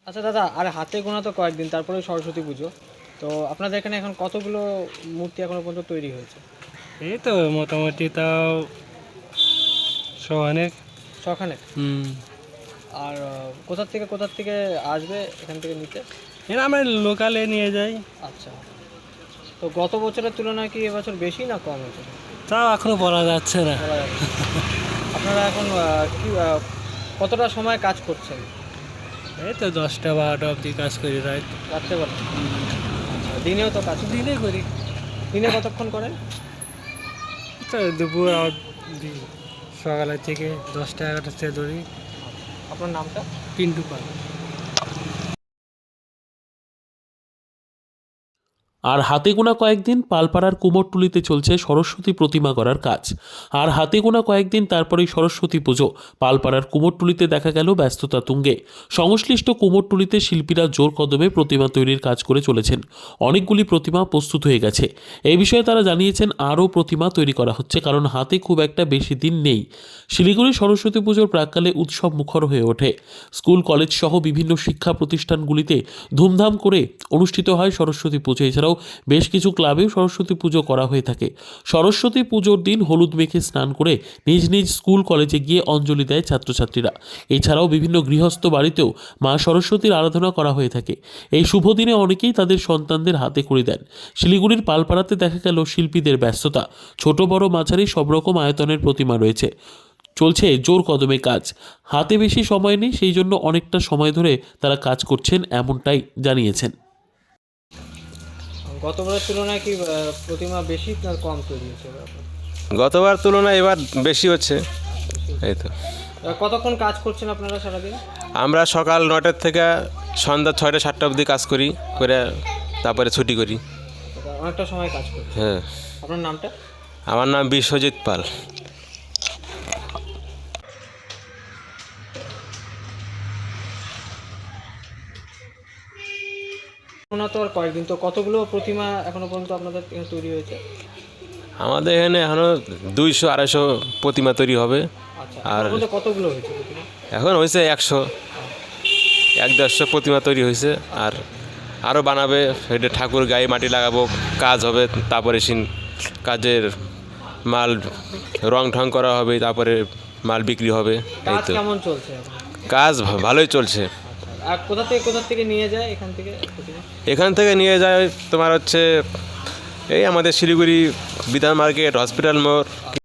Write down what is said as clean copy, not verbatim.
আচ্ছা দাদা, আর হাতে গোনা তো কয়েকদিন, তারপরে সরস্বতী পুজো। তো আপনাদের এখানে এখন কতগুলো মূর্তি এখনো পর্যন্ত তৈরি হয়েছে? এই তো মোটামুটি তাও অনেক। শখানেক। আর কোথা থেকে আসবে এখান থেকে নিতে? এর আমরা লোকালে নিয়ে যাই। আচ্ছা, তো গত বছরের তুলনায় কি এবছর বেশি না কম হয়েছে? তাও এখনো বলা যাচ্ছে না। বলা যাচ্ছে না। আপনারা এখন কি কতটা সময় কাজ করছেন? এই তো 10টা-12টা অবধি কাজ করি রাত। রাত্রেবেলা? আচ্ছা, দিনেও তো কাজ? দিনে করি। দিনে কতক্ষণ করেন? তো দুপুর অবধি, সকালের থেকে 10টা-11টা থেকে ধরি। আপনার নামটা? পিন্টু পাল। আর হাতে গোনা কয়েকদিন পালপাড়ার কুমোরটুলিতে চলছে সরস্বতী প্রতিমা করার কাজ। আর হাতে গোনা কয়েকদিন তারপরেই সরস্বতী পুজো। পালপাড়ার কুমোরটুলিতে দেখা গেল ব্যস্ততা তুঙ্গে। সংশ্লিষ্ট কুমোরটুলিতে শিল্পীরা জোর কদমে প্রতিমা তৈরির কাজ করে চলেছেন। অনেকগুলি প্রতিমা প্রস্তুত হয়ে গেছে। এই বিষয়ে তারা জানিয়েছেন আরও প্রতিমা তৈরি করা হচ্ছে, কারণ হাতে খুব একটা বেশি দিন নেই। শিলিগুড়ি সরস্বতী পুজোর প্রাক্কালে উৎসব মুখর হয়ে ওঠে। স্কুল কলেজ সহ বিভিন্ন শিক্ষা প্রতিষ্ঠানগুলিতে ধুমধাম করে অনুষ্ঠিত হয় সরস্বতী পুজো। এছাড়াও বেশ কিছু ক্লাবেও সরস্বতী পুজো করা হয়ে থাকে। সরস্বতী পুজোর দিন হলুদ মেখে স্নান করে নিজ নিজ স্কুল কলেজে গিয়ে অঞ্জলি দেয় ছাত্রছাত্রীরা। এছাড়াও বিভিন্ন গৃহস্থ বাড়িতেও মা সরস্বতীর আরাধনা করা হয়ে থাকে। এই শুভ দিনে অনেকেই তাদের সন্তানদের হাতে খড়ি দেন। শিলিগুড়ির পালপাড়াতে দেখা গেল শিল্পীদের ব্যস্ততা। ছোট বড় মাঝারি সব রকম আয়তনের প্রতিমা রয়েছে। চলছে জোর কদমে কাজ। হাতে বেশি সময় নেই, সেই জন্য অনেকটা সময় ধরে তারা কাজ করছেন, এমনটাই জানিয়েছেন। গতবারের তুলনায় কি প্রতিমা বেশি না কম তৈরি হয়েছে এবার? গতবার তুলনায় এবার বেশি হচ্ছে। এই তো কতক্ষণ কাজ করছেন আপনারা সারাদিন? আমরা সকাল 9টার থেকে সন্ধ্যা 6টা-7টা অবধি কাজ করি, করে তারপরে ছুটি করি। অনেকটা সময় কাজ করছেন। হ্যাঁ। আপনার নামটা? আমার নাম বিশ্বজিৎ পাল। ওনা তো আর কয়েকদিন, তো কতগুলো প্রতিমা এখনো পর্যন্ত আপনাদের এখানে তৈরি হয়েছে? আমাদের এখানে এখনও 200-250 প্রতিমা তৈরি হবে। আচ্ছা, আর এখনো পর্যন্ত কতগুলো হয়েছে প্রতিমা? এখন হয়েছে 100-150 প্রতিমা তৈরি হয়েছে। আর আরও বানাবে, এটা ঠাকুর গায়ে মাটি লাগাবো, কাজ হবে, তারপরে কাজের মাল রং ঢং করা হবে, তারপরে মাল বিক্রি হবে। এই কাজ তো কেমন চলছে এখন? কাজ ভালোই চলছে। আর কোথা থেকে নিয়ে যায় এখান থেকে প্রতিমা? এখান থেকে নিয়ে যায় তোমার হচ্ছে এই আমাদের শিলিগুড়ি বিধান মার্কেট, হসপিটাল মোড়।